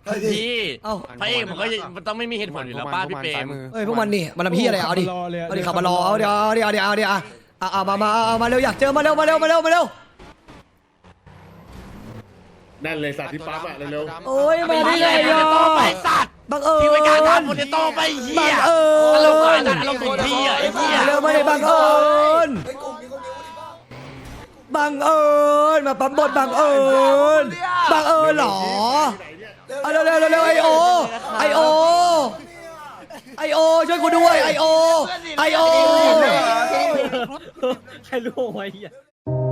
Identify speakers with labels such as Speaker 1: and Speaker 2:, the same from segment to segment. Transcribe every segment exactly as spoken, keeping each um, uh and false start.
Speaker 1: พี่เอ้าพระเอกมันก็มันต้องไม่มีเหตุผลอยู่แล้วป้าพี่เปรม
Speaker 2: เฮ้ยพวกมันนี่มันทำพี่อะไรเอาดิเอาดิขับมารอเอาเดี๋ยวเอาเดี๋ยวเอาเดี๋ยวเอาเดี๋ยวอ่ะเอามามาเอามาเร็วอยากเจอมาเร็วมาเร็วมาเร็วมาเร็ว
Speaker 3: นั่นเลยสัตว์ที่ปั๊บอะเร็ว
Speaker 2: โอ้ยมาได้ไงอ่ะ
Speaker 1: ไปสัตว์
Speaker 2: บังเอิญ
Speaker 1: ที่วิการทำโปเตโต้ไปเหี้ย
Speaker 2: เออ
Speaker 1: อารมณ์อะไรอารมณ์ถึงพี่อ่ะไอ้เหี้ย
Speaker 2: เร็วมาเลยบังเอิญบังเอิญมาปั๊มบทบังเอิญบังเอิญหรอเอาเร็วเร็วเร็วไอโอไอโอไอโอช่วยกูด้วยไอโอไอโอ
Speaker 4: ใครรู้ไว้เหี้ย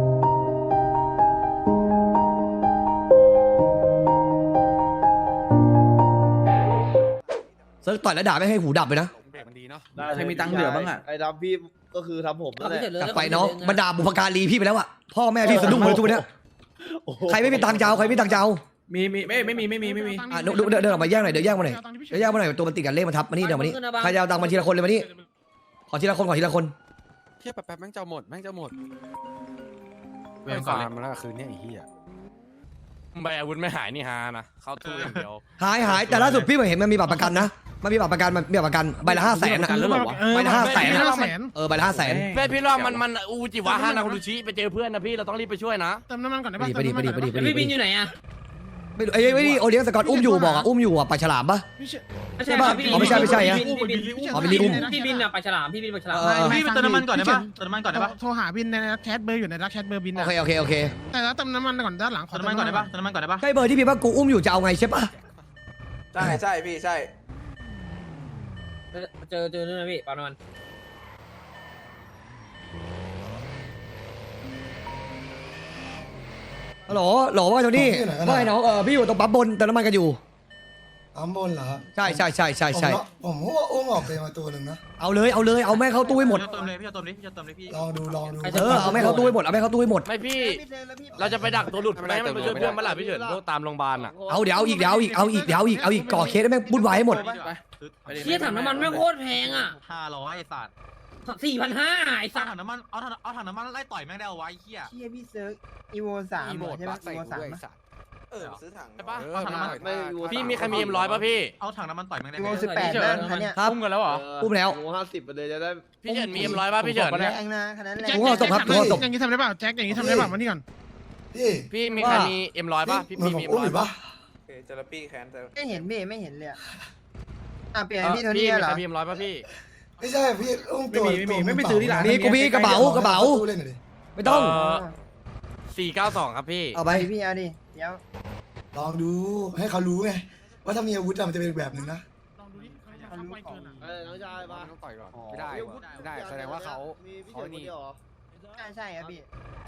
Speaker 2: เซิร์ฟต่อยแล้วด่าไม่ให้หูดับเลยนะ
Speaker 4: ใครมีตังค์เหลือบ้างอ่ะ
Speaker 5: ไอ้ทำพี่ก็คือทำผมนั่นแหละ
Speaker 2: กลับไปน้องบรรดาบุพการีพี่ไปแล้วอะพ่อแม่พี่สะดุ้งเลยทุกวันเนี้ยใครไม่มีตังค์เจ้าใครไม่มีตังค์เจ้า
Speaker 4: มีมีไม่ไม่มีไม่มีไม่มี
Speaker 2: อ่ะเดินเดินออกมาแย่งหน่อยเดี๋ยวแย่งมาหน่อยเดี๋ยวแย่งมาหน่อยตัวมันติดกันเลขมันทับมานี่เดี๋ยวมานี่ใครจะเอาตังค์มาทีละคนเลยมานี่ขอทีละคนขอทีละคน
Speaker 6: เทียบแป๊บแม่งจะหมดแม่งจะหมดเวรฟาร์มมาแล้วคืนนี้ไอ้เหี้ย
Speaker 1: ใบอาวุธไม่หายนี่ฮานะเข้าตู้อย่างเดียว
Speaker 2: หายหายแต่ล่าสุดพี่เห็นมันมีบัตรประกันนะมันมีบัตรประกันมันมีบัตรประกันใบละห้าแสนนะใบละห้าแสนเออใบละห้าแสน
Speaker 1: เพื่อนพี่ว่ามันมันอูจิวะฮานาคุรุชิไปเจอเพื่อนนะพี่เราต้องรีบไปช่วยนะ
Speaker 7: เติมน้ำมันก่อนได้
Speaker 2: ไป
Speaker 7: ปะ
Speaker 2: ดิไปดิไปดิไปดิไปดิ
Speaker 4: พี่บินอยู่ไหนอ่ะ
Speaker 2: ไม่รู้เอ้ยไม่ดิโอเลี้ยงสกอตอุ้มอยู่บอกอ่ะอุ้มอยู่อ่ะปลาฉลามปะ
Speaker 4: ไม่ใช่ป่ะพี่
Speaker 2: อ๋อไม่ใช่ไม่ใช่ฮะ
Speaker 4: พี่บิน
Speaker 2: อ๋อบิลลี่อุ้ม
Speaker 4: พี่บินอ่ะปลาฉลามพี่บินปลาฉลาม
Speaker 7: พี่ไปเติมน้ำมันก่อนได้ปะเติมน้ำมันก่อนได้ปะโทรหาบินในแชทเบอร์อยู่ในรักแชทเบอร์บิน
Speaker 2: โอ
Speaker 7: นะ
Speaker 2: เคโอเคโอเค
Speaker 7: แต่แล้วเติมน้ำมันก่อนด้านหลังขอเติมน้ำมันก่อนได้ปะเติมน้ำมันก่อนได้ปะ
Speaker 2: ใช่เบอร์ที่พี่ว่ากูอุ้มอยู่จะเอาไงใช่ปะ
Speaker 5: ใช่ใช่พี่ใช่
Speaker 4: เจอเจอนู่นนะพี่ปลามัน
Speaker 2: ฮัลโหลฮัลโหลว่าเจ้านี่ว่าไงน้องเออพี่อยู่ตรงปั๊มบนเติมน้ำมันกันอยู่
Speaker 8: ปั๊มบนเหรอครับ
Speaker 2: ใช่ใช่ใช่ใช่ใช่
Speaker 8: ผมผมว่าอุ้มออกไปมาตัวหนึ่งนะ
Speaker 2: เอาเลยเอาเลยเอาแม่เข้าตู้ให้หมด
Speaker 7: เติมเลยพี่จะเติมเลยพี่จะเติมเลยพี่
Speaker 8: ลองดูลองดู
Speaker 2: เออเอาแม่เข้าตู้ให้หมดเอาแม่เข้าตู้ให้หมด
Speaker 1: ไม่พี่เราจะไปดักตัวหลุดไม่ให้มันไปช่วยเพื่อนมาหล่ะพี่เฉินพวกตามโรงพยาบาลอ่ะ
Speaker 2: เอาเดี๋ยวเอาอีกเดี๋ยวเอาอีกเอาอีกเดี๋ยวเอาอีกเอาอีกก่อเคสให้แม่งวุ่นวายให้หมด
Speaker 4: เชี่ยถังน้ำมันไม่โคตรแพงอ่ะ
Speaker 7: ห้าร้อยไอ้สัตว์
Speaker 4: สี่พันห้าไอ้สั
Speaker 7: สั่ง
Speaker 4: ตว์
Speaker 7: ถังน้ำมันเอาถังเอาถังน้ำมันไล่ต่อยแม่งได้เอาไว้เหี้ย
Speaker 5: เชี่ยพี่เซิร์กอีโวสาม
Speaker 6: อีโมด
Speaker 5: ใช่ไหม
Speaker 6: ปักใส่
Speaker 5: อีโว
Speaker 6: กู
Speaker 5: สาม
Speaker 6: ด้วยสัตว์
Speaker 5: เออซื้อถัง
Speaker 1: ใช่ปะ
Speaker 7: เอาถังน้ำมัน
Speaker 5: ไม่อีโว
Speaker 1: พี่มีใครมีเอ็มร้อยป่ะพี่
Speaker 7: เอาถังน้ำมันต่อยแม่งได้
Speaker 5: อี
Speaker 7: ไห
Speaker 5: โว
Speaker 7: ม
Speaker 5: สิบแปดด้านคันเนี้ย
Speaker 2: ครับ
Speaker 1: อุ้มกันแล้วเหรอ
Speaker 2: อุ้มแล้ว
Speaker 5: อีโวห้าสิบไปเลยจะได้
Speaker 1: พี่เฉินมีเอ็มร้อยป่ะพี่เฉิน
Speaker 5: แรงนะคันนั้นแรง
Speaker 7: แจ็ค
Speaker 2: ผมเอาศพครับผมเอาศพ
Speaker 7: อย่างนี้ทำได้เปล่าแจ็คอย่างนี้ทำได้เปล่ามานี่ก่อน
Speaker 8: พี่
Speaker 1: พี่มีใครมีเอ็มร้อยป่ะพี่
Speaker 8: เหมือน
Speaker 1: มี
Speaker 8: ผม
Speaker 1: เอ็ม
Speaker 8: อุ้ม
Speaker 1: ร้อ
Speaker 8: อย ยู่
Speaker 1: ป่ะ
Speaker 8: ปะ
Speaker 5: เจลปี้แคนไม่เห็นพี่ไม่เห็นเลยอ่ะเปลี่ยน
Speaker 1: เออ
Speaker 5: พี่โท
Speaker 1: พี่
Speaker 5: นี่
Speaker 1: มี
Speaker 5: เหร
Speaker 1: ใค
Speaker 5: อ
Speaker 1: รมีเอ็มร้อยป่ะพี่
Speaker 8: ไม่ใช่พี่อุ้มตัว
Speaker 4: ไม่มีไม่มีไม่ไม่ซื้อที่ร้าน
Speaker 2: นี่กูมีกระเป๋ากระเป๋า
Speaker 8: ตู้เล่นหน่อยดิ
Speaker 2: ไม่ต้อง
Speaker 1: สี่เก้าสองครับพี่
Speaker 2: เอาไป
Speaker 5: ไปพี่เอาดิเดี๋ยว
Speaker 8: ลองดูให้เขารู้ไงว่าถ้ามีอาวุธอะมันจะเป็นแบบหนึ่งนะ
Speaker 7: ลองดูดิเขาจะทำไวเกินอ่ะ
Speaker 5: เออน้องชายมา
Speaker 6: ต้องต่อยก่อนไม่ได้ว่ะไม่ได้แสดงว่าเขาเขานี่
Speaker 5: ใช่ใช่ครับพี่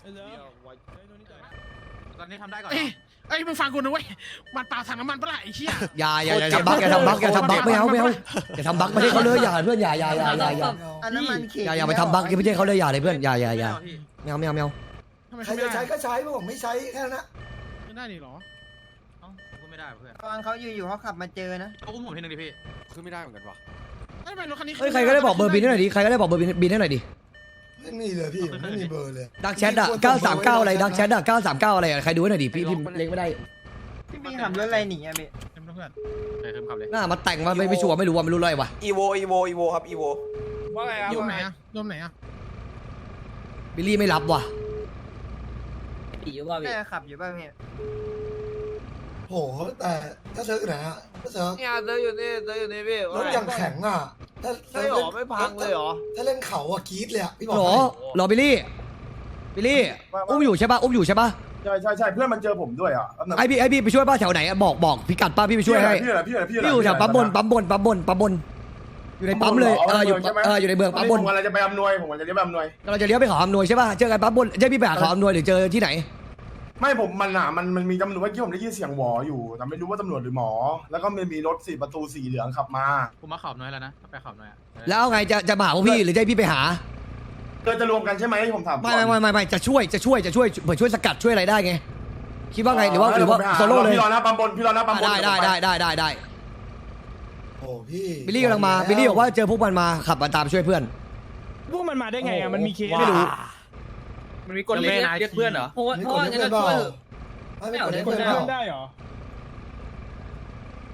Speaker 7: ตอนนี้ทำได้ก่อนเอ้ยเอ้ยมึงฟังกูนะเว้ยมันเปล่าถังน้ำมันปะล่ะไอ้เหี้ย
Speaker 2: อย่าอย่าอย่าทำบั๊กอย่าทำบั๊กอย่าทำบั๊กไม่เอาไม่เอาอย่าทำบั๊กไม่ใช่เขาเลยอย่าเพื่อนอย่าอย่าอย่าอย่าอย่า
Speaker 5: อันน้ำมันเข็ม
Speaker 2: อย่าอย่าไปทำบั๊กไม่ใช่เขาเลยอย่าเลยเพื่อนอย่าอย่าอย่าไม่เอาไม่เอาไม่เอา
Speaker 7: ทำไม
Speaker 8: ใคร
Speaker 7: เขาไม่
Speaker 8: จะ
Speaker 7: ได้
Speaker 8: ใช้ก็ใช้พวกผมไม่ใช้แค่นั้นนะ
Speaker 7: ไม่ได้ดิหรอเอ้ากูไม่ได้เพื่อน
Speaker 5: ตอนเขาอยู่อยู่เขาขับมาเจอนะ
Speaker 7: เขาอุ้มผมทีนึงดิพี่
Speaker 6: คือไม่ได้เหมือนกันว่ะ
Speaker 7: ทำไมรถคันนี้
Speaker 2: เฮ้ยใครก็ได้บอกเบอร์บินให้หน่อยดิใครก็ได้บอกเบอร์บินบินให้หน่อยดิ
Speaker 8: ไม่มีเลยพี่ผมไม่มีเบอร์เลย
Speaker 2: ดักแชทอะเก้าสามเก้าอะไรดักแชทอะเก้าสามเก้าอะไรอะใครดูให้หน่อยดิพี่พี่เล็งไม่ได้
Speaker 5: พี่พี่ขับรถอะไรหนีอ่ะพี่
Speaker 7: เต็มเพื่อนใช่เต็มขับเลย
Speaker 2: หน้ามาแต่งมาไม่ไม่ชัวร์ไม่รู้ว่าไม่รู้อะไรวะ
Speaker 5: อีโวอีโวอีโวครับอีโว
Speaker 1: ว่าไงครับ
Speaker 7: โดมไหนอะโดมไหนอะ
Speaker 2: บิลลี่ไม่รับว่ะ
Speaker 4: ตีอยู่ป่ะพี่
Speaker 5: แม่ขับอยู่ป่ะพี่
Speaker 8: โหแต่ถ้าเซิร์ฟไหนอะถ้าเซิร์ฟ
Speaker 5: เนี่ยเจออยู่นี่เจออยู่นี่พี่
Speaker 8: รถอย่างแข็งอะถ้า
Speaker 5: ใช่หรอไม่พังเลยหรอ
Speaker 8: ถ้าเล่นเขาอะกรี๊ดเลยอะพี่บอก
Speaker 2: หรอหรอบิลลี่บิลลี่อุ้มอยู่ใช่ป่ะอุ้มอยู่ใช่ป่ะ
Speaker 3: ใช่ใช่ใช่เพื่อนมันเจอผมด้วยอ่ะ
Speaker 2: ไอพี่ไอพี่ไปช่วยป้าแถวไหนอะบอกบอกพิกัดป้าพี่ไปช่วยให้
Speaker 3: พี่อะไรพี่อะไรพี่อะไร
Speaker 2: พี่อยู่แถวปั๊มบนปั๊มบนปั๊มบนปั๊มบนอยู่ในปั๊มเลยเอออยู่เอออยู่ในเมืองปั๊มบน
Speaker 3: ผมกำลังจะไปอำนวยผมกำลังจะไปอำนวย
Speaker 2: เราจะเลี้ยวไปเขาอำนวยใช่ป่ะเจอกันปั๊มบนใช่พี่ไปหาเขาอำนวยหรือเจอที่ไหน
Speaker 3: ไม่ผมมันอ่ะมันมันมีตำรวจเมื่อกี้ผมได้ยินเสียงหวออยู่แต่ไม่รู้ว่าตำรวจหรือหมอ แล้วก็มันมีรถสี่ประตูสีเหลืองขับมา
Speaker 7: กูมาขับน้อยแล้วนะไปขับน้อยอะ
Speaker 2: แล้วเอาไงจะจะมาหาพวกพี่หรือจะให้พี่ไปหา
Speaker 3: เกิดจะรวมกันใช่ไหมผมถามก่อน
Speaker 2: ไม่ไม่ไม่ไม่จะช่วยจะช่วยจะช่วยเผื่อช่วยสกัดช่วยอะไรได้ไงคิดว่าไงหรือว่าหรือว่าโซโล่เลย
Speaker 3: พี่รอนะปั๊มบนพี่รอนะปั๊มบน
Speaker 2: ได้ได้ได้ได้ได้ได้
Speaker 8: โอ้พี่
Speaker 2: บิลลี่กำลังมาบิลลี่บอกว่าเจอพวกมันมาขับมาตามช่วยเพื่อน
Speaker 4: พวกมันมาได้ไงอ่ะมันมีเคส
Speaker 2: ไม่รู้
Speaker 4: มันมีกฎเรียกเรียกเพื่อนเหรอเพราะว่าเพราะว่างั้นก็ช่วย
Speaker 8: ไม่ไม่กดเล่นเพื่อนเปล่า
Speaker 4: ได้เหรอ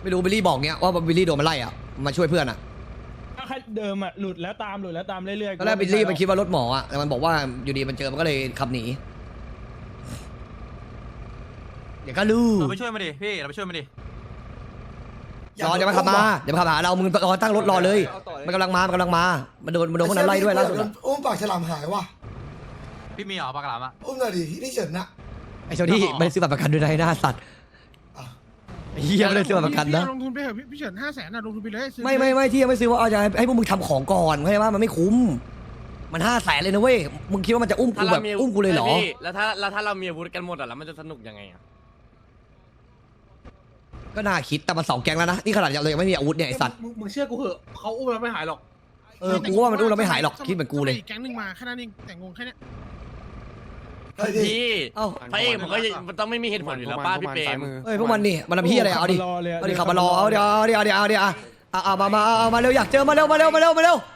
Speaker 2: ไม่รู้บิลลี่บอกเงี้ยว่าบิลลี่โดนมันไล่อ่ะมาช่วยเพื่อนอ่ะ
Speaker 4: แค่เดิมอ่ะหลุดแล้วตามหลุดแล้วตามเรื่อยๆ
Speaker 2: ตอนแรกบิลลี่มันคิดว่ารถหมออ่ะแต่มันบอกว่าอยู่ดีมันเจอมันก็เลยขับหนีเดี๋ยวก็รู้
Speaker 1: เราไปช่วยมาดิพี่เราไปช่วยมาดิ
Speaker 2: รอเดี๋ยวมันขับมาเดี๋ยวมันขับหาเรามึงรอตั้งรถรอเลยมันกำลังมามันกำลังมามันโดนมันโดนพวกนั้นไล่ด้วยล่าสุดอะ
Speaker 8: อุ้มปากฉลามหายว่ะ
Speaker 1: พี่มีเหรอปากกาลามอ่ะ
Speaker 8: อุ้มหน่อยดิที่เฉินนะ
Speaker 2: ไอ้เจ้าที่ไม่ได้ซื้อบัตรประกันด้วยนะไอ้หน้าสัตว์
Speaker 8: อ่ะ
Speaker 2: ไอ้เหี้ยไม่ได้ซื้อบัตรประกันนะ
Speaker 7: ลงทุนไปเถอะพี่พี่เฉินห้าแสนนะลงทุนไปเลยซื้อ
Speaker 2: ไม่ไม่ไม่ที่ยังไม่ซื้อว่าเอาจะให้ให้พวกมึงทำของก่อนเข้าใจว่ามันไม่คุ้มมันห้าแสนเลยนะเว้ยมึงคิดว่ามันจะอุ้มกูแบบอุ้มกูเลยเหรอ
Speaker 1: แล้วถ้าแล้วถ้าเรามีอาวุธกันหมดอ่ะแล้วมันจะสนุกยังไงอ่ะ
Speaker 2: ก็น่าคิดแต่มันสองแก๊งแล้วนะนี่ขนาดเรายังไม่มีอาวุธเนี่ยไอ้สัตว์
Speaker 4: มึงมึงเชื่อกูเหอะเขาอุ้มเราไม่หายหรอก
Speaker 2: เออกูว่ามันอุ้มเราไม่หายหรอกคิดเหมือนกูเลย
Speaker 7: อีแก๊งหนึ่งมาแค่นั้นเองแต่งงแค่เนี้ย
Speaker 8: เฮ้ยดิ
Speaker 1: พี่
Speaker 2: เอ้า
Speaker 1: พระเอกมันก็มันต้องไม่มีเหตุผลอยู่แล้วป้าพี่เปรม
Speaker 2: เฮ้ยพวกมันนี่มันทำพี่อะไรเอาดิ
Speaker 4: รอเลย
Speaker 2: เอาดิขับมารอเอาเดี๋ยวเอาเดี๋ยวเอาเดี๋ยวเอาเดี๋ยวอ่ะเอาเอามามาเอามาเร็วอยากเจอมาเร็วมาเร็วมาเร็วมาเร็ว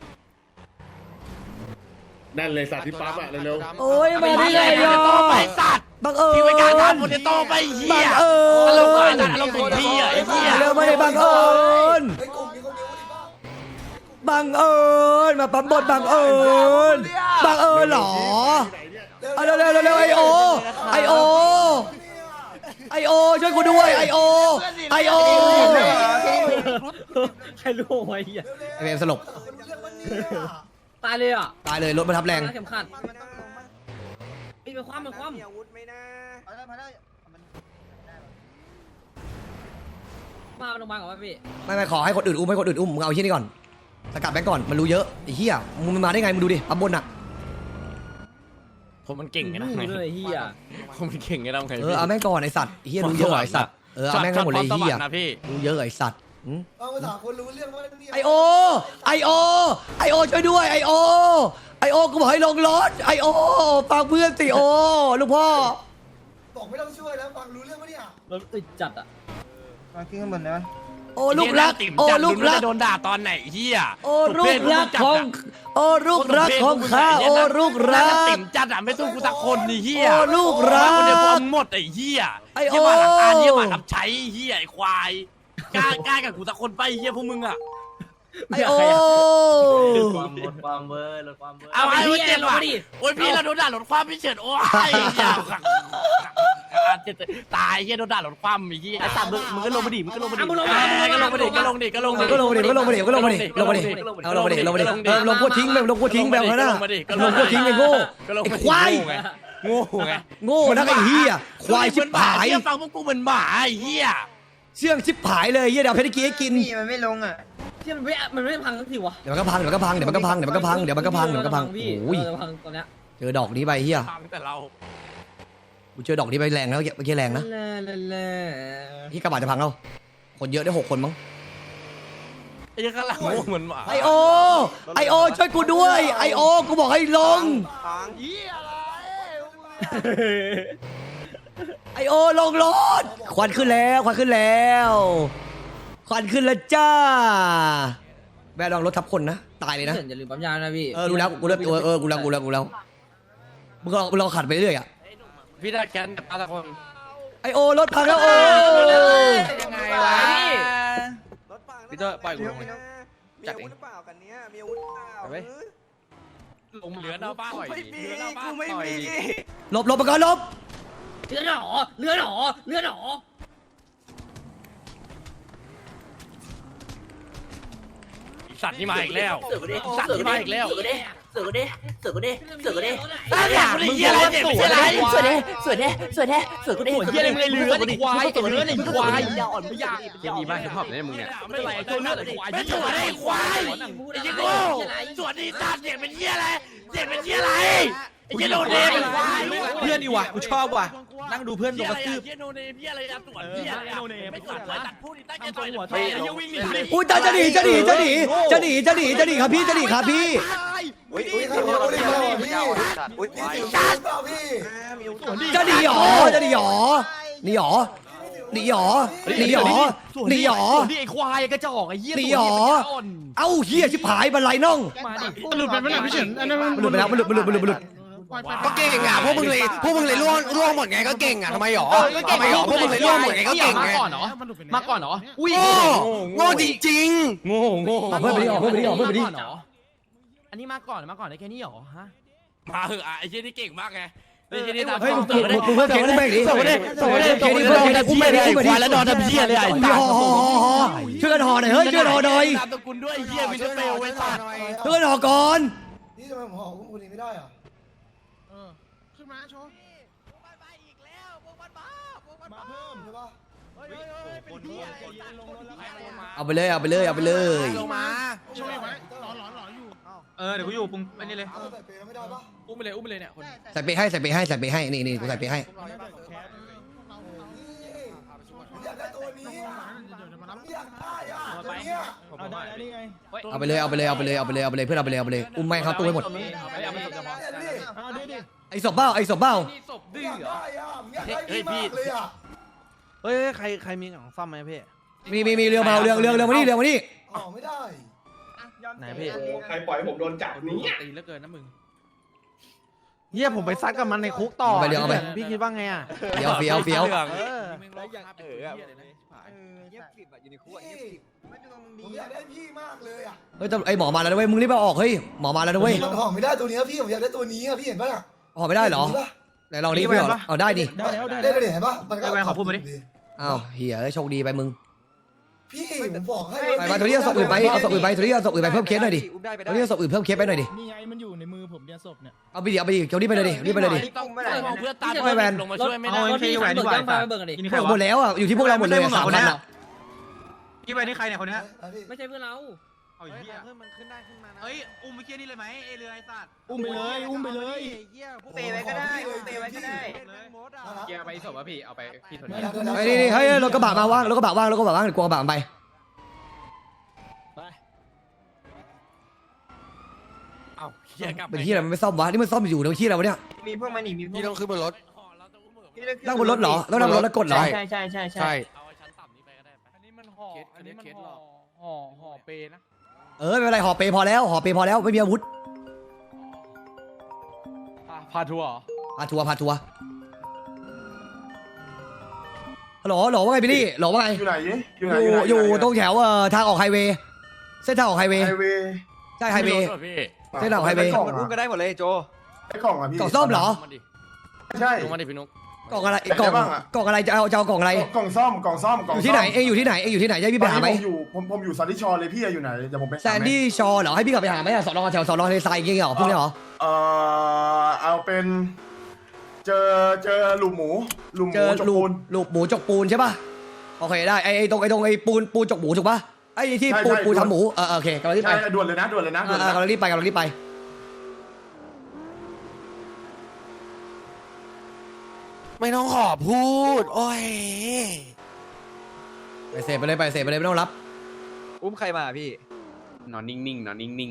Speaker 9: นั่นเลยสัตว์ที่ปั๊บอะเร็ว
Speaker 2: โอ้ยมาได้ไงอ่ะ
Speaker 1: ไปสัตว์
Speaker 2: บังเอิญ
Speaker 1: ที่ไปการทำโปเตโต้ไปเหี้
Speaker 2: บั
Speaker 1: ย
Speaker 2: งเอิ
Speaker 1: อารมณ์ก่อน
Speaker 2: ญ
Speaker 1: อารมณ์ถึงพี่อ่ะไอ้เหี้ย
Speaker 2: เร็วมาเลยบังเอิญ
Speaker 8: ไอ้กลุ่มนี้เขามีอาวุธบ้าง
Speaker 2: บังเอิญมาปั๊มบทบังเอิญบังเอิญเหรอเอาเร็วเร็วเร็วเร็วไอโอไอโอไอโอช่วยกูด้วยไอโอไอโอ
Speaker 4: ใครรู้ไว้เหี้ย
Speaker 2: ไอเบมสลบ
Speaker 4: ตายเลยอ่ะ
Speaker 2: ตายเลยรถมันทับแรง
Speaker 4: เข็มขัดมีเป็นความเป็นความ
Speaker 5: เอาได้มาได้มัน
Speaker 4: มาโรงพยาบาลก่อนป่ะพี่
Speaker 2: ไม่ไม่ขอให้คนอื่นอุ้มให้คนอื่นอุ้มมึงเอาที่นี่ก่อนสกัดแบงก์ก่อนมันรู้เยอะไอ้เหี้ยมึงมันมาได้ไงมึงดูดิปั๊มบนอ่ะ
Speaker 1: ผมมันเก่งไงนะ
Speaker 4: รู้เลยเฮีย
Speaker 1: ผมมันเก่งไงนะไง
Speaker 2: เออเอาแม่งก่อนไอ้สัตว์ไอ้เหี้ยรู้เยอะไอ้สัตว์เออเอาแม่งให้หมดเลยไอ้เหี้ย
Speaker 1: นะพี่
Speaker 2: รู้เยอะไอ้สัตว์หืม
Speaker 8: เอาภาษาคนรู้เรื่องว่าเนี่ย
Speaker 2: ไอโอไอโอไอโอช่วยด้วยไอโอไอโอกูบอกให้ลงรถไอโอฟังเพื่อนสิโอลูกพ่อ
Speaker 8: บอกไม่ต้องช่วยแล้วฟังรู้เรื่องปะเนี่ย
Speaker 4: รถอึดจัดอ่ะ
Speaker 5: มาขึ้นข้างบนได้ไหม
Speaker 2: โอ้ลูกรักโอ้ลูกรัก
Speaker 1: โดนด่าตอนไหนเฮีย
Speaker 2: โอ้ลูกรักของโอ้ลูกรักของข้าโอ้ลูกรัก
Speaker 1: ติ่มจัดอ่ะไม่สู้กูสักคนนี่เฮีย
Speaker 2: โอ้ลูกรัก
Speaker 1: คนเดียวพอหมดไอ้เฮีย
Speaker 2: ไอ้โอ้
Speaker 1: เฮียมาหลังการเฮียมาทำใช้เฮียไอ้ควายกล้ากล้ากับกูสักคนไปเฮียพวกมึงอ่ะ
Speaker 2: ไอโอ
Speaker 4: ความลดความเวอร์ลดความเวอร์
Speaker 1: เอาไอ้เว้ยเจ็บว่ะโอ้ยพี่เราโดนด่าลดความพี่เฉิดโอ้ยเฮียตายเฮียโดนด่าลดความไอ้เฮียไอ้สัตว์มึงมึงก็ลงมาดิมึงก็ลงมาดิก็ลงมาดิก็ลงดิก็ลงดิ
Speaker 2: ก็ลงมาดิก็ลงมาดิก็ลงมาดิลงมาดิเอาลงมาดิลงมาดิเออลงกูทิ้งไปลงกูทิ้งแบบนั้นน่ะลงกูทิ้งไปโง่ไอ้ควาย
Speaker 1: โง่ไง
Speaker 2: โง่นักไอ้เหี้ยควายชิบหาย
Speaker 1: เฮียฟังพวกกูเหมือนหมาไอ้เฮีย
Speaker 2: เชื่องชิบหายเลยเหี้ยเดี๋ยวเพชรกี้ให้กิน
Speaker 5: พี่มันไม่ลงอ่ะ
Speaker 4: ที่มันไม่มันไม่พังสักทีวะ
Speaker 2: เดี๋ยวมันก็พังเดี๋ยวมันก็พังเดี๋ยวมันก็พังเดี๋ยวมันก็พังเดี๋ยวมันก็พังเดี๋ยวมันก็พัง
Speaker 4: พี่
Speaker 2: โอ้ย
Speaker 4: พังตอนเนี้ย
Speaker 2: เจอดอกนี้ไปเฮีย
Speaker 1: ฟังแต่เรา
Speaker 2: กูเจอดอกนี้ไปแรงแล้วเมื่อกี้แรงนะ
Speaker 4: เล่เล่เล่
Speaker 2: ที่กระบะจะพังเราคนเยอะได้หกคนมั้ง
Speaker 1: ไอ้ยังกำลังโง่เหมือนหมา
Speaker 2: ไอโอไอโอช่วยกูด้วยไอโอกูบอกให้ลงไอโอลงรถควันขึ้นแล้วควันขึ้นแล้วควันขึ้นแล้วจ้าแม่ลองรถทับคนนะตายเลยนะ
Speaker 4: เฉินอย่าลืมปั๊มยานะพี่
Speaker 2: เออรู้แล้วกูเลิกเออเออกูแล้วกูแล้วกูแล้วมึงลองมึงลองขัดไปเรื่อยอ่ะ
Speaker 1: พี่ได้แคนแต่ป้าตะคน
Speaker 2: ไอโอรถพังแล้วโอ
Speaker 1: ยังไงวะ
Speaker 6: พี่เตอร์ปล่อยกูลงเลย
Speaker 5: จัดเองเปล่ากันเนี้ยมีอาวุธเปล่า
Speaker 6: ไป
Speaker 1: ลงเหลือเอาป้า
Speaker 5: ไม่มี
Speaker 1: เหลือเอาป้า
Speaker 5: กูไม่
Speaker 1: ต่อย
Speaker 5: มี
Speaker 1: ดิ
Speaker 2: หลบหลบไปก่อนหลบ
Speaker 4: เลือดหนอเลือดหนอเลือดหนอ
Speaker 1: สัตว์นี่มาอีกแล้วสัตว์นี่มาอีกแล้ว
Speaker 4: เสือกูดิเสือกูดิเสือกูดิเสือกูดิ
Speaker 1: ตั้งแต่มึงเหี้ยอะไรเจ็บเหี้ยอะไร
Speaker 4: สวยดิสวยดิสวยดิเสือกูดิ
Speaker 1: เหี้ยอะไรไม่เหลือดิควายตัวเนื้อไอ้ควาย
Speaker 4: ยาอ่อนไม่ยาก
Speaker 6: ยังมีบ้านฮิปฮอปเนี่ยมึงเนี่ย
Speaker 1: ไม่ไหลตัวเนื้อไอ้ควายไม่สวนไอ้ควายไอ้ยี่โก้สวนดีตาเจ็บเป็นเหี้ยอะไรเจ็บเป็นเหี้ยอะไรไอ้ยี่โนเนมเป็นควาย
Speaker 6: เพื่อนดีว่ะกูชอบว่ะนั่งดูเพื่อนโด
Speaker 1: เหี้ย
Speaker 6: น
Speaker 1: อะ
Speaker 6: ก
Speaker 1: ไร
Speaker 6: ระทืบ
Speaker 1: เหี้ยโนเนมเหี้ยอะไรอะสวนเหี้ยอะไรไม่สวนเลยตัดพูดตั้งใจต่อยหัวไอ้ยี่วิ่งหนีดิ
Speaker 2: อุ้ยจะจะหนีจะหนีจะหนีจะหนีจะหนีจะหนีครับพี่จะหนีครับพี่
Speaker 8: อุ้ยอุ้ยครับพี่อุ้ยพี่อุ้ยพี่จัดเปล่าพี่
Speaker 2: จะหนีหรอจะหนีหรอหนีหรอหนีหรอหนีหรอหนีหรอ
Speaker 1: นี่ไอ้ควายกระจอกไอ้เหี้ย
Speaker 2: หนีหรอเอ้าเฮียชิบหายบันไลน่อง
Speaker 7: หลุดไปไม่หลับพี่เฉินอันนั้น
Speaker 2: มันหลุดไปแล้วมันหลุดมันหลุดมันหลุดมันหลุด
Speaker 7: ปล่อยไป
Speaker 6: ก็เก่งอ่ะพวกมึงเลยพวกมึงเลยล่วงล่วงหมดไงก็เก่งอ่ะทำไมหรอทำไมหรอพวกมึงเลยล่วงหมดไงก็เก่งไง
Speaker 7: มาก่อนเหรอ
Speaker 6: อุ้ยโง่จริงๆโง่โง่
Speaker 2: เพื่อนไปดิออกเพื่อนไปดิออกเพื่อนไปดิ
Speaker 5: อันนี้มาก่อนมาก่อนได้แค่นี้หรอฮะ
Speaker 1: มาเหอะอ่ะไอ้เชี่ยนี่เก่งมากไงไอ้เชี่ยนี่ทำ
Speaker 2: เฮ้ยมึงมึงมึงเพื่อนเก่งอุ้มแม่งดิ
Speaker 1: ส่งไปดิส่งไปดิส่งไปดิส่งไปดิอุ้มไม่ได้ควายแล้วนอนทำเชี่ยเลยไอ้
Speaker 2: ห่อห่อห่อห่อช่วยกันห่อหน่อยเฮ้ยช่วยกันห่อหน่อย
Speaker 1: นามสกุลด้วยไอ้เชี่ยมิสเตอร์เฟลไอ้สัตว์
Speaker 2: ช่วยกันห่อก่อน
Speaker 8: นี่ทำไมผมห่ออุ้มคนนี้ไม่ได้อ่ะ
Speaker 7: เออขึ้นมาโชว์
Speaker 8: มาเพิ่มใช่ปะ
Speaker 2: เอาไปเลยเอาไปเลยเอาไปเลย
Speaker 6: ลงมา
Speaker 7: ช่วยไว้หลอนหลอนหลอนอยู่
Speaker 4: เออเดี๋ยวกูอยู่ปุงไอ้นี่เลย
Speaker 8: เอาใส่เปรย์ไม่ได้ปะ
Speaker 1: อุ้มไปเลยอุ้มไปเลยเนี่ยคน
Speaker 2: ใส่ไปให้ใส่ไปให้ใส่ไปให้นี่นี่กูใส่ไปให้
Speaker 8: ผมอยากได้ตัวนี้
Speaker 7: เดี๋ยวมารับ
Speaker 8: อยากได้อ่ะตัวเนี้ย
Speaker 4: เอาได้แล้วนี่ไง
Speaker 2: เอาไปเลยเอาไปเลยเอาไปเลยเอาไปเลยเอาไปเลยเพื่อนเอาไปเลยเอาไปเลยอุ้มแม่งเข้าตู้ให้หมด
Speaker 4: เอาไปเอาไปเฉพาะ
Speaker 2: ไอ้ศพเบ้าไอ้ศพเบ้า
Speaker 1: นี่ศพ
Speaker 8: อ
Speaker 1: ดื้อย
Speaker 8: าก
Speaker 1: เหรอ
Speaker 8: ได้อ่ะผมอยากได้พี่มากเลยอ่ะ
Speaker 4: เฮ้ยใครใครมีของซ่อมไหมพี่
Speaker 2: มีมีมีเรือมาเรือเรือเรือมานี่เรือมานี่
Speaker 8: ห่อไม่ได้
Speaker 4: ไหนพี่
Speaker 3: ใครปล่อยให้ผมโดนจับนี้
Speaker 1: ตีเหลือเกินนะมึง
Speaker 4: เฮียผมไปซัดกับมันในคุกต่อพี่คิดว่าไงอ่ะ
Speaker 2: เฟี้ยวเฟี้ยวเฟี้ยว
Speaker 4: เออ
Speaker 1: แล้วอย่างเออเลยนะ
Speaker 8: ผมอยากได้พี่มากเลยอ่ะ
Speaker 2: เฮ้ยแต่ไอ้หมอมาแล้วนะเว้ยมึงรีบเอาออกเฮ้ยหมอมาแล้วนะเว้ย
Speaker 8: มันห่อไม่ได้ตัวนี้พี่ผมอยากได้ตัวนี้อ่ะพี่เห็นปะล่ะ
Speaker 2: ห่อไม่ได้เหรอไหนลองดิพี่เอาได้ดิ
Speaker 8: ได้แล้วได้แล้วเห็นปะมันก็
Speaker 2: อ้าวเหี้ยโชคดีไปมึง
Speaker 8: พี่ผมบอกให้
Speaker 2: ไปมาตัวนี้เอาศพอื่นไปเอาศพอื่นไปตัวนี้เอาศพอื่นไปเพิ่มเคสหน่อยดิตัวนี้เอาศพอื่นเพิ่มเคสไปหน่อยดิ
Speaker 7: นี่ไงมันอยู่ในมือผมเนี่ยศพเนี่ย
Speaker 2: เอาไปดิเอาไปดิเจ้านี้ไปเลยดิรีบไปเลยดิ
Speaker 1: ต้องเอาเพื่อนตาม
Speaker 2: ไม่แวน
Speaker 1: ลงมาช่วยไม่ได้
Speaker 4: เอาไอ้แหวนดีกว่า
Speaker 2: หมดแล้วอ่ะอยู่ที่พวกเราหมดเลยสามพันอ่ะ
Speaker 4: พี่ไปนี่ใครเนี่ยคนนี้
Speaker 5: ไม่ใช่เพื่อนเรา
Speaker 4: เอาเฮียเพิ่มมันขึ้นได้ขึ้นมานะเฮ้ยอุ้มไปเคียนี่เลยไหมเอเรือไอ้สัตว์
Speaker 7: อุ้มไปเลยอุ้มไปเลย
Speaker 8: เปย์ไว้ก็ได้เปย์ไว้ก็ได้
Speaker 4: เกียร์ไปศพวะพี่เอาไปพี่ถน
Speaker 2: ไอ้นี่นี่เฮ้ยรถกระบะมาว่างรถกระบะว่างรถกระบะว่างเดี๋ยวกลัวกระบะมันไป
Speaker 1: เอ้าเฮียกลับ
Speaker 2: เป็นที่อะไรมันไม่ซ่อมวะนี่มันซ่อมอยู่ในที่อะไรวะเนี่ย
Speaker 5: มีพวกมันอีกมีพวก
Speaker 6: พี่ต้องขึ้นบนรถ
Speaker 2: นั่งบนรถเหรอต้องนั่งบนรถแล้วกดเหรอ
Speaker 5: ใช่ใช่ใช่ใช่
Speaker 6: ใช่
Speaker 1: เอาไอ้ชั้นต่ำนี้ไปก็ได้ไป
Speaker 7: อันนี้มันห่ออันนี้มันห่อห่อห่อเปนะ
Speaker 2: เออไม่เป็นไรห่อเปพอแล้วห่อเปพอแล้วไม่มีอาวุธ
Speaker 7: พาทัวร์
Speaker 2: พาทัวร์พาทัวร์ฮัลโหลฮัลโหลว่าไงพี่ลี่ฮัลโหลว่าไง
Speaker 3: อยู่ไหนอยู่ไหน
Speaker 2: อยู่
Speaker 3: ไหน
Speaker 2: อยู่
Speaker 3: ไหน
Speaker 2: ตรงแถวเอ่อทางออกไฮเวย์เส้นทางออกไฮเวย์
Speaker 3: ไฮเวย์
Speaker 2: ใช่ไฮเวย์
Speaker 1: พี่
Speaker 2: เส้นทางออกไฮเวย์
Speaker 3: กล่อง
Speaker 4: อุ้มก็ได้หมดเลยโจ
Speaker 3: ไอ้กล่องอ่ะพี่
Speaker 2: กล่องส้มเหรอ
Speaker 1: ลงมาดิ
Speaker 3: ใช่
Speaker 1: ลงมาดิพี่นุ๊ก
Speaker 2: กล่องอะไร
Speaker 3: อยาก
Speaker 2: กล่
Speaker 3: ได้
Speaker 2: อง
Speaker 3: บ้างอะ
Speaker 2: กล่องอะไรจะเอาจะเอากล่องอะไร
Speaker 3: กล่องซ่อมกล่องซ่อมกล่อง
Speaker 2: อยู่ที่ไหนเองอยู่ที่ไหนเองอยู่ที่ไหนจะให้พี่ไปหาไหม
Speaker 3: ผมอยู่ผมผมอยู่ซันดี้ชอร์เลยพี่อยู่ไหนเดี๋ยวผมไป
Speaker 2: แซนดี้ชอร์เหรอให้พี่กลับไปหาไหมอะสอนอแถวสอนอทะเลทรายอย่างเงี้ยเหรอพวกนี้เหรอ
Speaker 3: เอ่อเอาเป็น เจอเจอหลุมหมูหลุมห
Speaker 2: เจ
Speaker 3: มู
Speaker 2: อ
Speaker 3: จก
Speaker 2: ลู
Speaker 3: ปู
Speaker 2: ก
Speaker 3: น
Speaker 2: ลูกหมูจกปูนใช่ป่ะโอเคได้ไอ้ไอ้ตรงไอ้ตรงไอ้ปูนปูนจกหมูถูกป่ะไอ้ที่ปูนปูนทำหมูเออโอเคกำลังรีบไป
Speaker 3: ใช่ด่วนเลยนะด่วนเลยนะ
Speaker 2: เอ
Speaker 3: ด่ว
Speaker 2: อน เอ
Speaker 3: เลย
Speaker 2: อกำลั
Speaker 3: นะ
Speaker 2: งรีบไปกำลังรีบไป
Speaker 6: ไม่ต้องขอพูดโอ้ย
Speaker 2: ไปเสพไปเลยไปเสพไปเลยไม่ต้องรับ
Speaker 4: อุ้มใครมาพี่
Speaker 6: นอนนิ่งๆนอนนิ่ง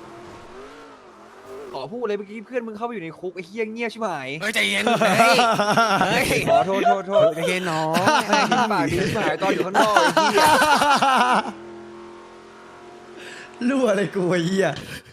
Speaker 4: ขอพูดเลยเมื่อกี้เพื่อนมึงเข้าไปอยู่ในคุกไอ้เฮี้ยเงียบใช่ไหม
Speaker 6: ๆเฮ้ยใจเย็นเฮ้ยเฮ้ย
Speaker 4: ขอโทษโทษโทษ
Speaker 6: ใจเย็นน้อง
Speaker 4: แม่งปากดีหายตอนอยู่ข้างนอกไอ้เหี้ย
Speaker 2: รั่วอะไรกูไอ้เหี้ย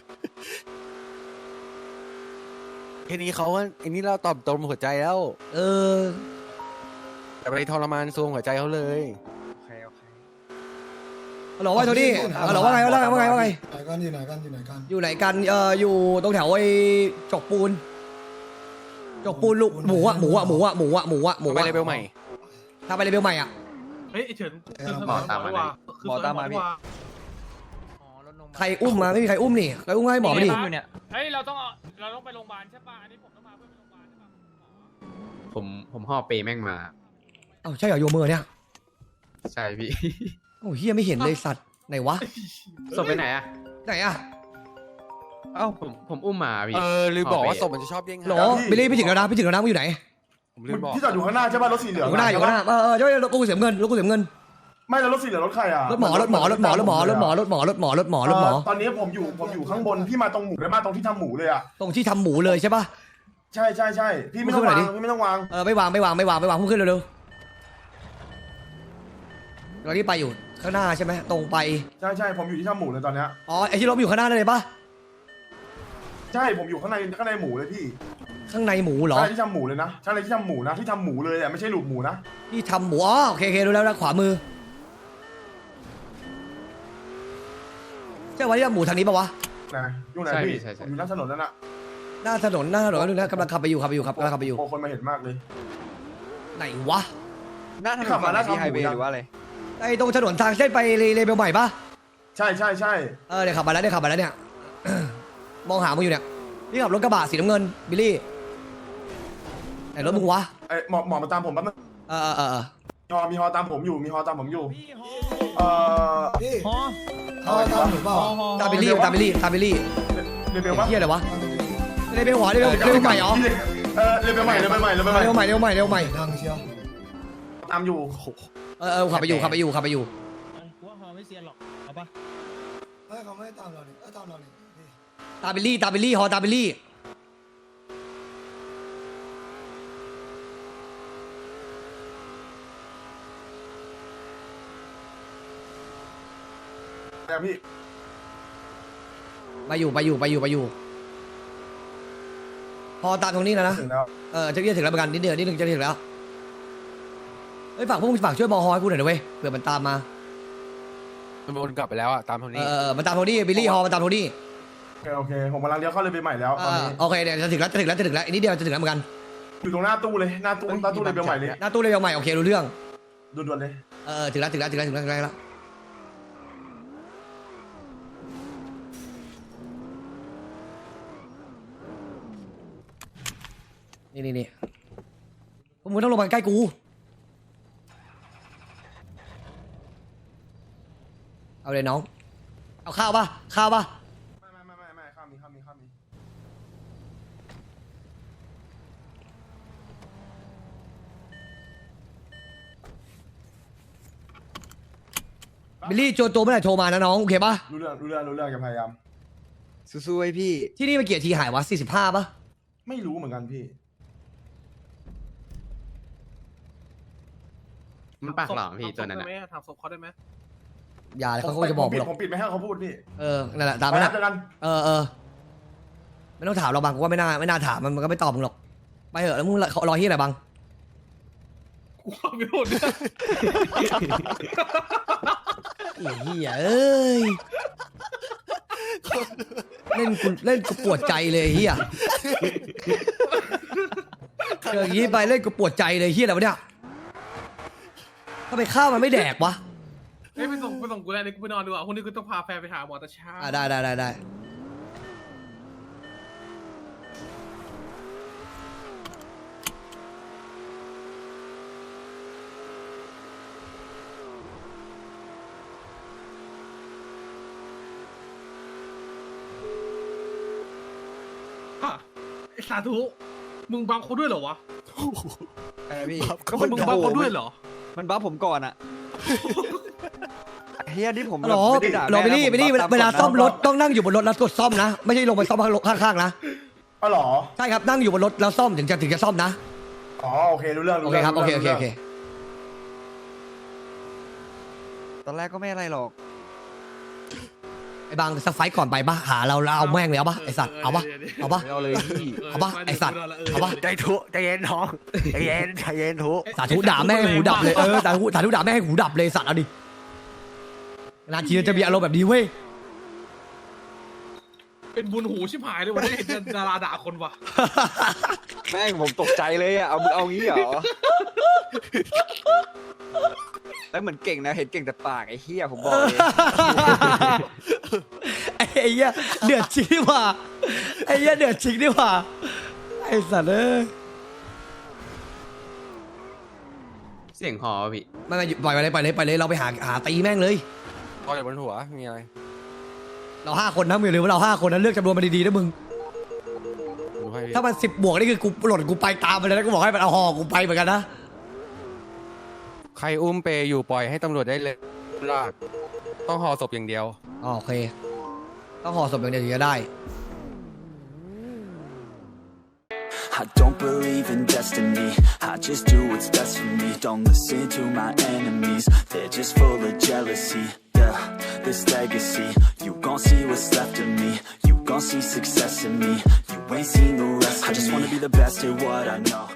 Speaker 6: แค่นี้เขาก็อันนี้เราตอบตรงหัวใจแล้ว
Speaker 2: เออ
Speaker 6: แต่ไปทรมานซวงหัวใจเขาเลย
Speaker 4: โอเคโอเค
Speaker 2: ฮัลโหลว่าโทนี่ฮัลโหลว่าไงว่าไงว่าไงว่าไง
Speaker 8: ไหนกันอยู่ไหนกันอยู่ไหนกัน
Speaker 2: อยู่ไหนกันเอ่ออยู่ตรงแถวไอ้จกปูนจกปูนลูกหมูอะหมูอะหมูอะหมูอะหมูอะหมู
Speaker 6: ไป
Speaker 2: อะ
Speaker 6: เลเวลใหม่
Speaker 2: ถ้าไปเลเวลใหม่อะ
Speaker 7: เฮ้ยเฉิน
Speaker 4: หมอตามมาเลยหมอตามมาพี่
Speaker 2: ใครอุ้มมาไม่มีใครอุ้มนี่ใครอุ้มให้หมอไปดิ
Speaker 4: เนี่ย
Speaker 7: เฮ้ยเราต้องเราต้องไปโรงพยาบาลใช่ป่ะอันนี้ผมต้องมาเพื่อไปโรงพยาบาลใช่ป่ะ
Speaker 10: ผมผมห่อเปแม่งมา
Speaker 2: เอ้าใช่เหรอโยมือเนี่ย
Speaker 10: ใช่พี่
Speaker 2: โอ้เฮียไม่เห็นเลยสัตว์ไหนวะ
Speaker 10: ศพไปไหนอะ
Speaker 2: ไหนอะ
Speaker 10: เอ้าผมผมอุ้มมาพี่
Speaker 6: เออลืมบอกว่าศพมันจะชอบเด้ง
Speaker 2: หรอบิลลี่ไปถึงแล้วนะไปถึงแล้วนะมึงอยู่ไหน
Speaker 6: ผมลืมบอก
Speaker 3: ที่จอดอยู่ข้างหน้าใช่ป่ะรถสีเหลื
Speaker 2: อ
Speaker 3: อง
Speaker 2: ยู่ข้างหน้าอยู่ข้างหน้าเออเออใช่ไหมรถกูเสียเงินรถกูเสียเงิน
Speaker 3: ไม่แล้วรถสีเหลืองรถใครอ่ะ
Speaker 2: รถหมอรถหมอรถหมอรถหมอรถหมอรถหมอรถหมอรถหมอรถหมอ
Speaker 3: ตอนนี้ผมอยู่ผมอยู่ข้างบนพี่มาตรงหมูเลยมาตรงที่ทำหมูเลยอ่ะ
Speaker 2: ตรงที่ทำหมูเลยใช่ป่ะ
Speaker 3: ใช่ใช่ใช่พี่ไม่ต้องวางพี่ไม่ต้องวาง
Speaker 2: เออไม่วางไม่วางไม่วางไม่วางพุ่งขึ้นเร็วๆเราที่ไปอยู่ข้างหน้าใช่ไหมตรงไป
Speaker 3: ใช่ใช่ผมอยู่ที่ทำหมูเลยตอนเนี้ย
Speaker 2: อ๋อไอที่รถอยู่ข้างหน้านั่นเลยป่ะ
Speaker 3: ใช่ผมอยู่ข้างในข้างในหมูเลยพี่
Speaker 2: ข้างในหมูเหรอ
Speaker 3: ใช่ที่ทำหมูเลยนะใช่เลยที่ทำหมูนะที่ทำหมูเลยอ่ะไม่ใช่หลูกหมูนะ
Speaker 2: ที่ทำหมูอ๋อโอเคโอเครู้แล้วนะขวามือใช่ว่าที่ทำหมูทางนี้ปะวะ
Speaker 3: นะยุ่งไหนพี่อยู่หน้าถนนนั่นน่ะ
Speaker 2: หน้าถนนหน้าถนนดูนะกำลังขับไปอยู่ขับไปอยู่ครับกำลังขับไปอยู่
Speaker 3: โอ้คนมาเห็นมากเลย
Speaker 2: ไหนวะ
Speaker 4: หน้าถนน
Speaker 3: ขับมาหน้า
Speaker 4: ที่
Speaker 3: ทำ
Speaker 4: ไฮ
Speaker 3: หมู
Speaker 4: เวย์
Speaker 3: นะ
Speaker 4: หรือว่าอะไร
Speaker 2: ไอ้ตรงถนนทางเส้นไปเลเบลใหม่ปะ
Speaker 3: ใช่ใช่ใช่
Speaker 2: เออเดี๋ยวขับมาแล้วเดี๋ยวขับมาแล้วเนี่ย มองหามึงอยู่เนี่ยนี่ขับรถกระบะสีน้ำเงินบิลลี่ไหนรถมึงวะ
Speaker 3: ไอ้หมอหมอมาตามผมแป๊บนึง
Speaker 2: เออเออเออ
Speaker 3: มีฮอมีฮอตามผมอยู่มีฮอตามผมอยู่เอ่อ
Speaker 8: พี่
Speaker 7: ฮอ
Speaker 8: เขาตามหรือเปล่า
Speaker 2: ตามบิลลี่ตามบิลลี่ตามบิลลี่
Speaker 3: เรเบลวะ
Speaker 2: เฮียอะไรวะเลเบลหัวเลเบลเลเบลใหม่เหรอ
Speaker 3: เออเรเบลใหม่เรเบลใหม่เรเบลใหม่
Speaker 2: เร็วใหม่เร็วใหม่เร็วใหม่
Speaker 8: ดังเชียว
Speaker 3: ตามอยู่
Speaker 2: เออเออขับไปอยู่ขับไปอยู่ขับไปอยู่
Speaker 7: กูว่าฮอไม่เซียนหรอกเอาปะ
Speaker 8: เฮ้ยเขาไม่ตามเราเนี่ยเอ้ยตามเราเนี่ยพี่
Speaker 2: ตามบิลลี่ตามบิลลี่ฮอตามบิลลี่
Speaker 3: แต่พี่
Speaker 2: ไปอยู่ไปอยู่ไปอยู่ไปอยู่พอตามตรงนี้แล้วนะ
Speaker 3: ถึงแล้ว
Speaker 2: เออจะเรียกถึงแล้วเหมือนกันนิดเดียวนิดนึงจะถึงแล้วเฮ้ยฝากพวกมึงฝากช่วยบอฮอให้กูหน่อยนะเว้ยเผื่อมันตามมา
Speaker 6: มันวนกลับไปแล้วอ่ะตามเท่า
Speaker 2: เอ
Speaker 6: นี้
Speaker 2: อเออมันตามโทนี่บิลลี่ฮอมันตามโทนี่
Speaker 3: โอเคโอเคผมกำลังเลี้ยวเข้าเลยไปใหม่แล้ว
Speaker 2: เอ
Speaker 3: ตอน
Speaker 2: อ
Speaker 3: นี้
Speaker 2: โอเคเดี๋ยวจะถึงแล้วจะถึงแล้วจะถึงแล้วอีกนิดเดียวจะถึงแล้วเหมือนกัน
Speaker 3: อยู่ตรงหน้าตู้เลยหน้าตู้หน้าตู้เลยไปใหม่เลย
Speaker 2: หน้าตู้เลยเอาใหม่โอเครู้เรื่อง
Speaker 3: ด่วนๆเลย
Speaker 2: เออถึงแล้วถึงแล้วถึงแล้วถึงแล้วถึงแล้วนี่นี่นี่พวกมึงต้องลงมาใกล้กูเอาเลยน้องเอาข้าวป่ะข้าวป่ะ
Speaker 3: ไม่ไม่ไม่ไม่ไม่ข้ามมีข้ามมีข้ามมี
Speaker 2: บิลลี่โจรตัวเมื่อไหร่โทรมานะน้องโอเคป่ะ
Speaker 3: รู้เรื่องรู้เรื่องรู้เรื่องอย่าพยายาม
Speaker 4: สู้ๆไอ้พี่
Speaker 2: ที่นี่มันเกียรทีหายวะสี่สิบห้าป่ะ
Speaker 3: ไม่รู้เหมือนกันพี่
Speaker 10: มันปากหลอมพี่ตัวนั้นอะ
Speaker 7: ถามศพเขาได้ไหม
Speaker 2: อย่าเลยเขาก็จะบอก
Speaker 3: ผม
Speaker 2: มึ
Speaker 3: ปิ
Speaker 2: ง
Speaker 3: ด
Speaker 2: หรอก
Speaker 3: ผมปิดไม่ให้เขาพูดพี่
Speaker 2: เออนั่นแหละตาม
Speaker 3: ไป
Speaker 2: นั้น
Speaker 3: แล้ว
Speaker 2: นะ
Speaker 3: เจอกัน
Speaker 2: เออเออไม่ต้องถามเราบังกูว่าไม่น่าไม่น่าถามมันมันก็ไม่ตอบมึงหรอกไปเถอะแล้วมึงรอรอที่ไหนบัง
Speaker 7: กูไม่รู้เนี่ย
Speaker 2: ไอ้เหี้ยเอ้ยเล่นกูเล่นกูปวดใจเลยไอ้เฮียเจออย่างนี้ไปเล่นกูปวดใจเลยเฮียอะไรวะเนี่ยถ้าไปข้าวมันไม่แดกวะ
Speaker 7: เฮ้ยไปส่งไปส่งกูแล้วนี่กูไปนอนดีกว่าพรุ่งนี้กูต้องพาแฟนไปหาหมอแต่เช้า
Speaker 2: อ่ะได้ได้ได้ได้
Speaker 7: ไอ้สาธุมึงบังเขาด้วยเหรอวะ
Speaker 4: ไอ้พี่
Speaker 7: ก็มึงบังเขาด้วยเหรอ
Speaker 4: มันบัฟผมก่อนอะเฮียนี่ผม
Speaker 2: หรอ
Speaker 4: ไม่ได้ด่า
Speaker 2: หรอไปนี่ไปนี่
Speaker 4: แม่นะ
Speaker 2: เวลา
Speaker 4: ผ
Speaker 2: ซ่อมรถ
Speaker 4: ตากฎนะ
Speaker 2: ต้องนั่งอยู่บนรถแล้วกดซ่อมนะไม่ใช่ลงไปซ่อมข้างๆนะ
Speaker 3: อ๋อเหรอ
Speaker 2: ใช่ครับนั่งอยู่บนรถแล้วซ่อมถึงจะถึงจะซ่อมนะ
Speaker 3: อ๋อโอเครู้เรื่อง
Speaker 2: โอ
Speaker 3: รู้
Speaker 2: เค
Speaker 3: เรื่อง
Speaker 2: ครับโอเคโอเคโอเค
Speaker 4: ตอนแรกก็ไม่อะไรหรอก
Speaker 2: ไอ้บางสักไฟต์ก่อนไปปะหาเราเราเอาแม่งเลยเอาปะไอสัตว์เอาปะเอาปะ
Speaker 4: เอาเลยพี่
Speaker 2: เอาปะไอสัตว์เอาปะ
Speaker 4: ใจทุใจเย็นน้องใจเย็นใจเย็นทุ
Speaker 2: สาธุด่าแม่งให้หูดับเลยเออสาธุสาธุด่าแม่งให้หูดับเลยสัตว์เอาดินานทีจะมีอารมณ์แบบนี้เว้ย
Speaker 7: เป็นบุญหูชิบหายเลยวันนี้เห็นดาราด่าคนว่ะ
Speaker 4: แม่งผมตกใจเลยอะเอามึงเอางี้เหรอแล้วเหมือนเก่งนะเห็นเก่งแต่ปากไอ้เฮียผมบอกเลย
Speaker 2: ไอ้เหี้ยเดือดจริงดิว่าไอ้เหี้ยเดือดจริงดิว่าไอ้สัตว์เอ้ย
Speaker 10: เสียงหอพี่
Speaker 2: ไม่ไม่ปล่อยไปเลยปล่อยเลยปล่อยเลยเราไปหาหาตีแม่งเลย
Speaker 6: พอจากบนหัวมีอะไร
Speaker 2: เราห้าคนนะมึงอย่าลืมว่าเราห้าคนนะเลือกจำนวนมาดีๆนะมึง
Speaker 6: ดูให้พี่
Speaker 2: ถ้ามันสิบบวกนี่คือกูหล่นกูไปตามไปเลยนะกูบอกให้มันเอาหอกูไปเหมือนกันนะ
Speaker 6: ใครอุ้มเปอยู่ปล่อยให้ตำรวจได้เลยลากต้องห่อศพอย่างเดียว
Speaker 2: อ๋อโอเคต้องห่อศพอย่างเดียวถึงจะได้
Speaker 11: I don't believe in destiny, I just do what's best for me. Don't listen to my enemies, they're just full of jealousy. yeah, this legacy. You gon' see what's left of me. You gon' see success in me. You ain't seen the rest of me. I just wanna be the best at what I know.